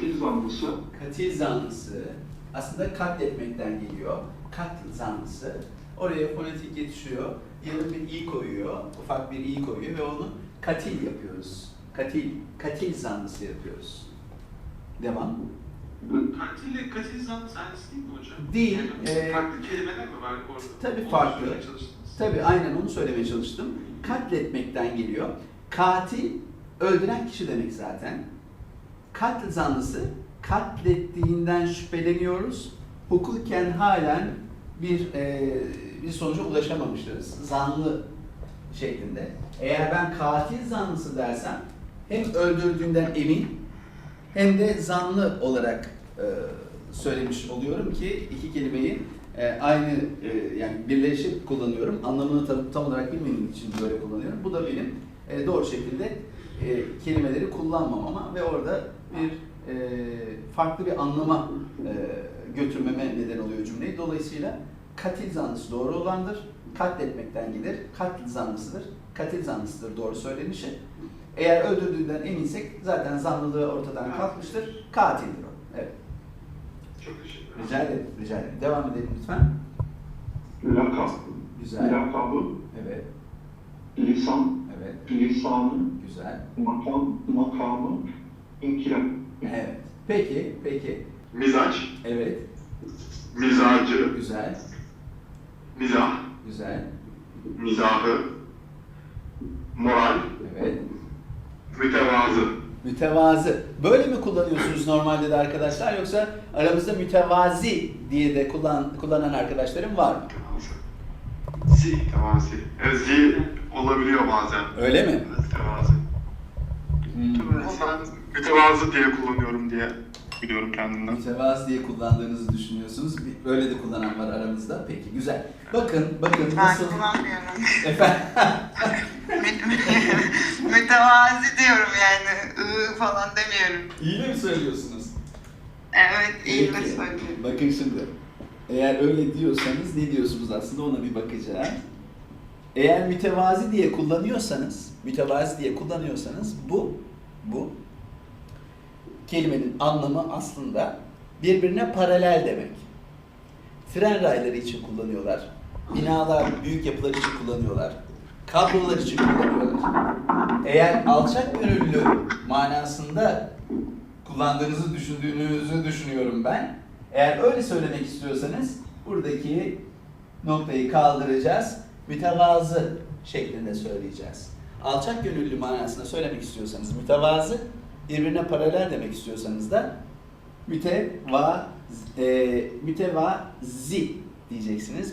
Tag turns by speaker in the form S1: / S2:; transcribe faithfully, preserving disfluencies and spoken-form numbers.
S1: katil zanlısı.
S2: Katil zanlısı aslında katletmekten geliyor. Katil zanlısı. Oraya fonetik geçiyor. Yarım bir i koyuyor. Ufak bir i koyuyor ve onu katil yapıyoruz. Katil, katil zanlısı yapıyoruz. Devam.
S3: Katille katil zanlısı aynısı değil mi hocam?
S2: Değil.
S3: Yani
S2: Ee,
S3: farklı kelimeler mi var orada?
S2: Tabii
S3: Onu
S2: farklı.
S3: söylemeye çalıştınız.
S2: Tabii aynen onu söylemeye çalıştım. Katletmekten geliyor. Katil öldüren kişi demek zaten. Katil zanlısı katlettiğinden şüpheleniyoruz. Hukuken halen bir e, bir sonuca ulaşamamışız. Zanlı şeklinde. Eğer ben katil zanlısı dersem hem öldürdüğünden emin hem de zanlı olarak e, söylemiş oluyorum ki iki kelimeyi e, aynı e, yani birleşip kullanıyorum. Anlamını tam, tam olarak bilmediğim için böyle kullanıyorum. Bu da benim e, doğru şekilde e, kelimeleri kullanmamama ve orada bir e, farklı bir anlama e, götürmeme neden oluyor cümleyi. Dolayısıyla katil zanlısı doğru olandır. Katletmekten gelir. Katil zanlısıdır. Katil zanlısıdır doğru söylenişi. Eğer öldürdüğünden eminsek zaten zanlılığı ortadan kalkmıştır. Katildir o. Evet.
S3: Çok teşekkür ederim.
S2: Rica ederim. Rica ederim. Devam edelim lütfen.
S1: Lakap.
S2: Güzel.
S1: Lakabı.
S2: Evet.
S1: Lisan.
S2: Evet.
S1: Lisanı.
S2: Güzel.
S1: Makam. Makamı. İnkılap.
S2: Evet. Peki. Peki.
S3: Mizaç,
S2: Evet.
S3: mizacı,
S2: Güzel.
S3: mizah,
S2: Güzel.
S3: mizahı, moral,
S2: Evet.
S3: mütevazı.
S2: Mütevazı. Böyle mi kullanıyorsunuz normalde de arkadaşlar yoksa aramızda mütevazi diye de kullan, kullanan arkadaşlarım var mı?
S3: Zi. Mütevazi. Evet, zi olabiliyor bazen.
S2: Öyle mi?
S3: Mütevazı.
S2: Hmm.
S3: Ben mütevazı diye kullanıyorum diye biliyorum kendimden.
S2: Mütevazı diye kullandığınızı düşünüyorsunuz. Bir- Böyle de kullanan var aramızda. Peki güzel. Bakın, bakın
S4: Ben
S2: nasıl...
S4: kullanmıyorum.
S2: Efendim?
S4: Mütevazi diyorum yani. Iı falan demiyorum.
S2: İyi de mi söylüyorsunuz?
S4: Evet, iyi de
S2: Peki.
S4: söylüyorum.
S2: Bakın şimdi. Eğer öyle diyorsanız ne diyorsunuz aslında ona bir bakacağım. Eğer mütevazi diye kullanıyorsanız, mütevazi diye kullanıyorsanız bu, bu kelimenin anlamı aslında birbirine paralel demek. Tren rayları için kullanıyorlar. Binalar, büyük yapılar için kullanıyorlar. Kablolar için kullanıyorlar. Eğer alçak gönüllü manasında kullandığınızı düşündüğünüzü düşünüyorum ben. Eğer öyle söylemek istiyorsanız buradaki noktayı kaldıracağız. Mütevazı şeklinde söyleyeceğiz. Alçak gönüllü manasında söylemek istiyorsanız mütevazı, birbirine paralel demek istiyorsanız da müteva, e, mütevazi diyeceksiniz.